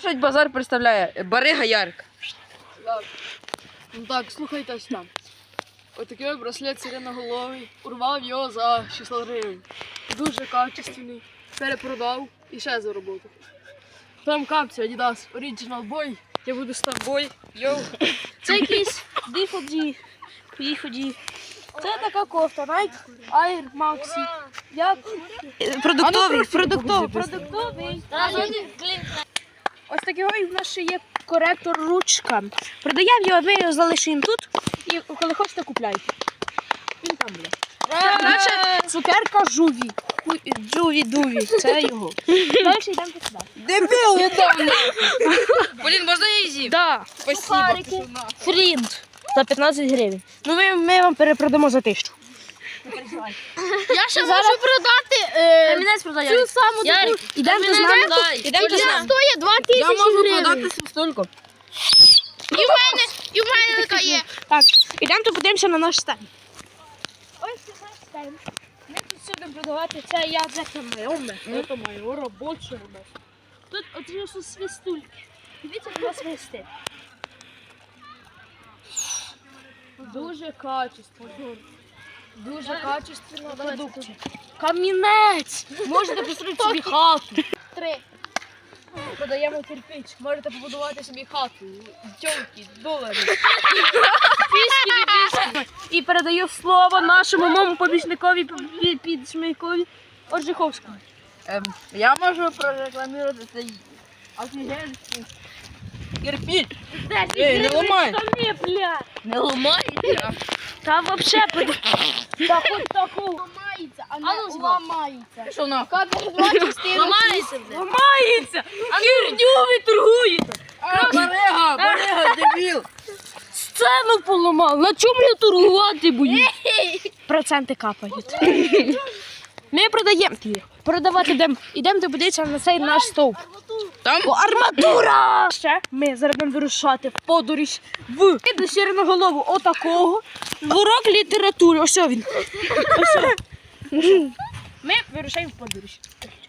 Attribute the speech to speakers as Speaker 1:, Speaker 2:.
Speaker 1: Наш базар представляє Барига Ярик.
Speaker 2: Ну так, слухайте ось там. Отакий браслет сиреноголовий. Урвав його за 600 гривень. Дуже качественний. Перепродав і ще заробив. Там капці Adidas Original Boy. Я буду старбой. Йоу.
Speaker 3: Це якийсь біході. Це така кофта, Nike Air Maxi. Як? Продуктовий. Ось такий в нас ще є коректор ручка. Продаємо його, ми його залишимо тут і коли хочете купляйте. Він там буде. Наша цукерка Жуві. Джуві-дуві, це його. Далі йдемо сюди.
Speaker 1: Дебіл, я там. Блін, можна я її з'їм?
Speaker 3: Да.
Speaker 1: Спасибо.
Speaker 3: Фрінт за 15 гривень. Ну ми вам перепродамо за 1000.
Speaker 2: Я ще можу продати
Speaker 3: Камінець продає.
Speaker 2: цю саму
Speaker 3: Ярик, ідемо з нами. Ідемо з нами.
Speaker 2: стоїть 2000
Speaker 1: Я можу
Speaker 2: гривень.
Speaker 1: продати стільки.
Speaker 2: І в мене така є.
Speaker 3: Так, ідемо то подивимося на наш стенд. Ось це наш стенд. Ми тут все будемо продавати. Це я, це моє.
Speaker 2: Це моє робоче.
Speaker 3: Тут оці свистульки. Дивіться, як нас свистить.
Speaker 2: Дуже качественно. Дуже качественно продукція.
Speaker 3: Камінець! Можете построїти собі хату.
Speaker 2: 3. Подаємо кирпич. Можете побудувати собі хату. Тьомки, долари.
Speaker 3: І передаю слово нашому моєму помічникові підшмейкові Оржиховському.
Speaker 1: Я можу прорекламувати цей офігенський кирпич. Ей, не ламай. Не ламай.
Speaker 3: Та вообще
Speaker 2: Та хоч такого ламається, а не ламається.
Speaker 1: Що на?
Speaker 2: Кадр 2 частини.
Speaker 3: ламається! Херню ви торгуєте!
Speaker 1: Барига, дебіл.
Speaker 3: Сцену поламав! На чому я торгувати боюсь? Проценти капають. Ми продаємо ті. Продавати ідемо подивитися на цей наш стовп.
Speaker 1: Там?
Speaker 3: Арматура! Ще ми зараз будемо вирушати в подорож до Сіреноголову отакого. В урок літератури. Ось він. Ось. Ми вирушаємо в подорож.